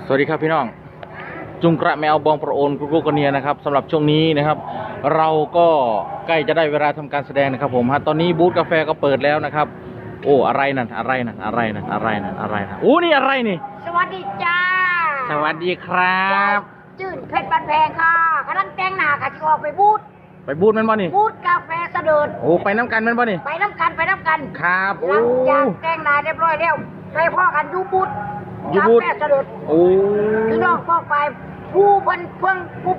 สวัสดีครับพี่น้องจุงกระแมวบองประโอนกุกุกเนียนะครับสำหรับช่วงนี้นะครับ เราก็ใกล้จะได้เวลาทำการแสดงนะครับผมฮะตอนนี้บูธกาแฟก็เปิดแล้วนะครับโอ้อะไรนั่นอะไรนั่นอะไรนั่นอะไรนั่นอะไรนั่นโอ้นี่อะไรนี่สวัสดีจ้าสวัสดีครับจื่นเพชรบันแพงค่ะกำลังแต่งหน้าค่ะจะออกไปบูธมันบ่นี่บูธกาแฟเสด็จโอ้ไปน้ำกันมันบ่นี่ไปน้ำกันครับหลังจากแต่งหน้าเรียบร้อยแล้วไปพ่อกันยูบูธกาแฟเสด็จโอ้พี่น้องพ่อไปผู้เพิ่งผู้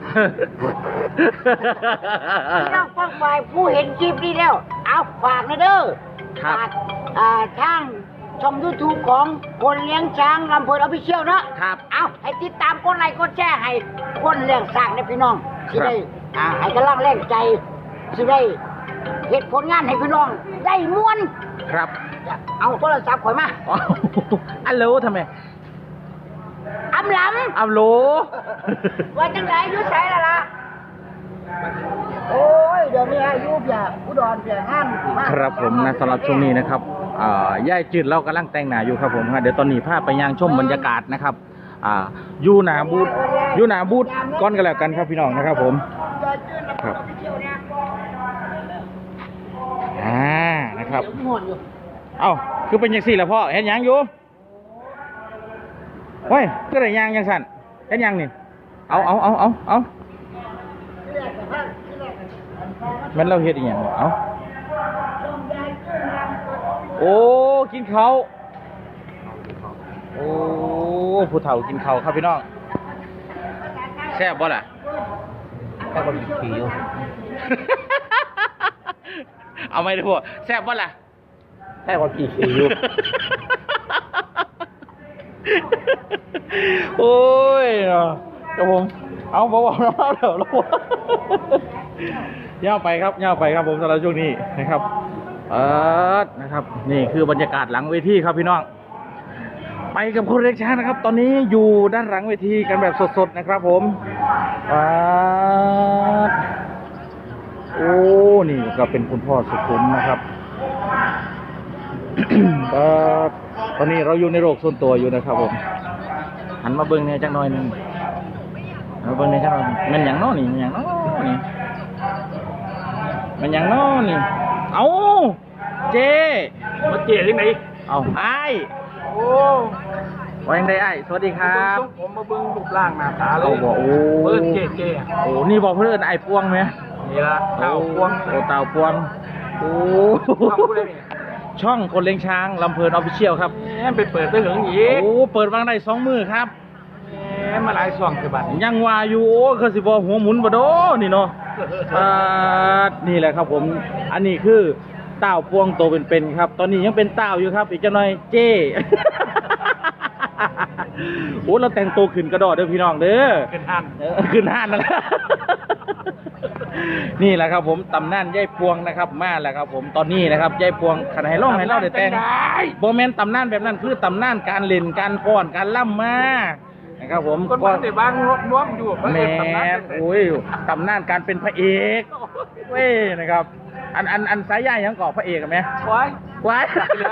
พี่น้องพ่อไปผู้เห็นคลิปนี้แล้วเอาฝากนะเด้อฝากทางช่อง YouTube ของคนเลี้ยงช้างลำเพลินออฟฟิเชียลเนาะครับเอาให้ติดตามกดไลค์กดแชร์ให้คนเลี้ยงช้างเนี่ยพี่น้องที่ได้ให้กำลังแรงใจที่ได้เหตุผลงานให้พี่น้องได้ม้วนครับเอาโทรศัพท์ข่อยมาอัลโหลทำไมอำลำอัลโหลว่าจังไรยุ่ยใช้ละล่ะโอ้ยเดี๋ยวนี้อายุเพียอุดรเพียห้ามครับผมนะสำหรับช่วงนี้นะครับย่ายจืดเรากำลังแต่งหน้าอยู่ครับผมเดี๋ยวตอนนี้พาไปย่างชมบรรยากาศนะครับยูหนาบูธก้อนกันแล้วกันครับพี่น้องนะครับผมครับนะครับเอ้าคือเป็นยังสี่ละพ่อเห็นยังอยู่เฮ้ยก็ได้ยังสั่นเห็นยังนี่เอามันเราเฮ็ดอีกอย่างเอาโอ้กินเขาโอ้ผู้เฒ่ากินเขาครับพี่น้องแซ่บบ่ล่ะแซ่บกว่าขี่อยู่เอาไม่ได้พวกแซ่บบ่ล่ะแซ่บกว่าขี่อยู่โอ้ยเนาะครับผมเอาบอกเราเดี๋ยวเราย่าไปครับผมสำหรับช่วงนี้นะครับนะครับนี่คือบรรยากาศหลังเวทีครับพี่น้องไปกับคนเล็กช้านะครับตอนนี้อยู่ด้านหลังเวทีกันแบบสดๆนะครับผมโอ้นี่ก็เป็นคุณพ่อสุขุมนะครับ ตอนนี้เราอยู่ในโลกส่วนตัวอยู่นะครับผมหันมาเบิ้งเนี่ยจักหน่อยนึงมาเบิ้งเนี่ยจักหน่อยมันอย่างน้อนี่มันอย่างน้อนี่มันอย่างน้อนี่เอาเจมาเจ๋ที่ไหนเอาไอ้โอ้ว่ายังไงไอ้สวัสดีครับผมมาเบิ้งรูปร่างหน้าตาเลยเขาบอกโอ้เบิ้งเจ๋โอ้นี่บอกเพื่อนไอ้พวงไหมนี่ละเต่าพวงโอ้เต่าพวงโอ้ช่องคนเลี้ยงช้างลำเพลินออฟฟิเชียลครับไปเปิดได้ถึงอีกโอ้เปิดวางได้2 มือครับมาหลายช่องคือบัตรยังว่าอยู่โอ้คือสิบหัวหมุนบ่โดนี่เนาะนี่แหละครับผมอันนี้คือเต่าพวงโตเป็นๆครับตอนนี้ยังเป็นเต่าอยู่ครับอีกจะหน่อยเจ้โอ้เราแต่งตัวขึ้นกระโดดเด้อพี่น้องเด้อขึ้นห้านนั่นแหละนี่แหละครับผมตำนานยายพวงนะครับมาแล้วครับผมตอนนี้นะครับยายพวงขันให้ร้องให้เล่าได้แต่งโบแมนตำนานแบบนั้นคือตำนานการเล่นการฟ้อนการล่ำมานะครับผมก็ได้บางน้วมอยู่แม่โอ้ยตำนานการเป็นพระเอกเว้ยนะครับอันสายใหญ่ยังก่อพระเอกไหมไว้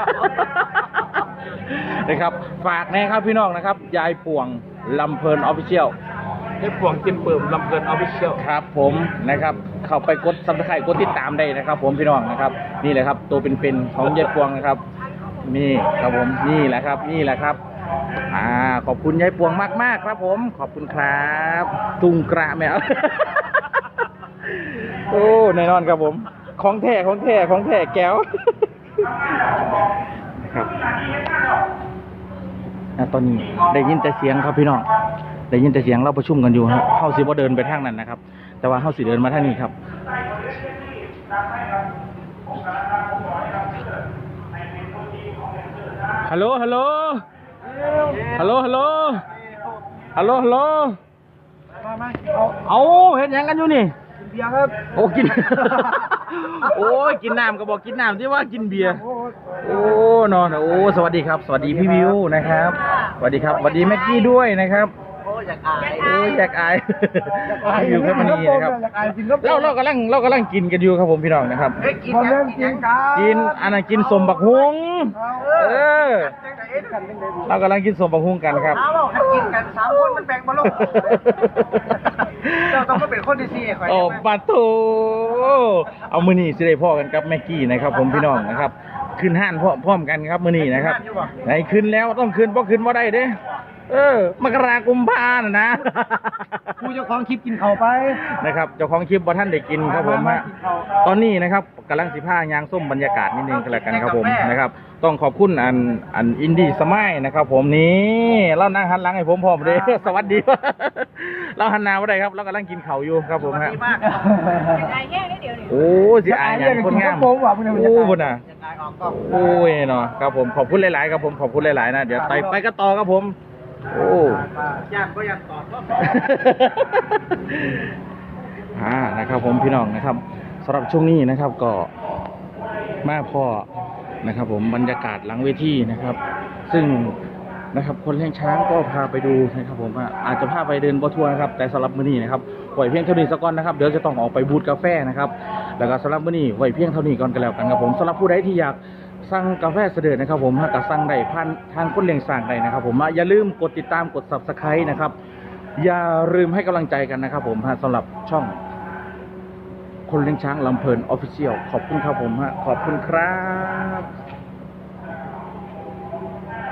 นะครับฝากนะครับพี่น้องนะครับยายพวงลำเพลินออฟฟิเชียลยายพวงกินเปิ่มลำเพลินออฟฟิเชียลครับผมนะครับเข้าไปกดซับสไครต์กดติดตามได้นะครับผมพี่น้องนะครับนี่แหละครับตัวเป็นๆของยายพวงนะครับนี่ครับผมนี่แหละครับขอบคุณยายพวงมากๆครับผมขอบคุณครับตุงกระแมวโอ้แน่นอนครับผมของแท้แก้วครับตอนนี้ได้ยินแต่เสียงครับพี่น้องได้ยินแต่เสียงเราประชุมกันอยู่ครับเฮาสิบ่เดินไปทางนั้นนะครับแต่ว่าเฮาสิเดินมาทางนี้ครับฮัลโหลเอาเห็นยังกันอยู่นี่กินเบียร์ครับโอ้กินโอ้ยกินน้ำก็บอกกินน้ำที่ว่ากินเบียร์โอ้นอนโอ้สวัสดีครับสวัสดีพี่วิวนะครับสวัสดีครับสวัสดีแม็กกี้ด้วยนะครับอยากอายโอ้ยอยากอายอยู่แค่มันนี้นะครับเรากำลังกินกันอยู่ครับผมพี่น้องนะครับกินกันกินกันกินอันนั้นกินสมบักฮวงเรากำลังกินสมบักฮวงกันครับถ้ากินกัน3 คนมันแบ่งมาลงเราต้องมาเป็นคนที่4ข่อยโอ้ปาโตเอามือนี่สิได้พ่อกันกับแม็กกี้นะครับผมพี่น้องนะครับขึ้นห้านพร้อมกันครับมือนี่นะครับไหนขึ้นแล้วต้องขึ้นเพราะขึ้นว่าได้เด้มกราคมกุมภาพันธ์นะผู้เจ้าของคลิปกินข้าวไปนะครับเจ้าของคลิปบ่ท่านได้กินครับผมฮะตอนนี้นะครับกำลัง15ยางส้มบรรยากาศนิดนึงกันแล้วกันครับผมนะครับต้องขอบคุณอันอินดี้สมัยนะครับผมนี่เรานั่งหันหลังให้ผมพร้อมเลย สวัสดี เราหันหน้าบ่ได้ครับเรากำลังกินข้าวอยู่ครับผมฮะโอ้สิอายอย่างคนงามโอ้พุ่นน่ะโอ้ยเนาะครับผมขอบคุณหลายๆครับผมขอบคุณหลายๆนะเดี๋ยวไปกันต่อครับผมโอ้ย่างก็ย่างตอดนะครับผมพี่น้องนะครับสำหรับช่วงนี้นะครับก็มาพ่อนะครับผมบรรยากาศหลังเวทีนะครับ ซึ่งนะครับคนเลี้ยงช้างก็พาไปดูนะครับผมอาจจะพาไปเดินบอทัวร์นะครับแต่สำหรับมื้อนี้นะครับปล่อยเพียงเท่านี้สักก่อนนะครับเดี๋ยวจะต้องออกไปบูธกาแฟนะครับแล้วก็สำหรับมื้อนี้ไว้เพียงเท่านี้ก่อนกันแล้วกันครับผมสำหรับผู้ใดที่อยากสั่งกาแฟเสด็จนะครับผมก็สั่งได้ผ่านทางคนเลี้ยงสร้างได้นะครับผมอย่าลืมกดติดตามกด Subscribe นะครับอย่าลืมให้กำลังใจกันนะครับผมสำหรับช่องคนเลี้ยงช้างลำเพลิน Official ขอบคุณครับผมขอบคุณครับ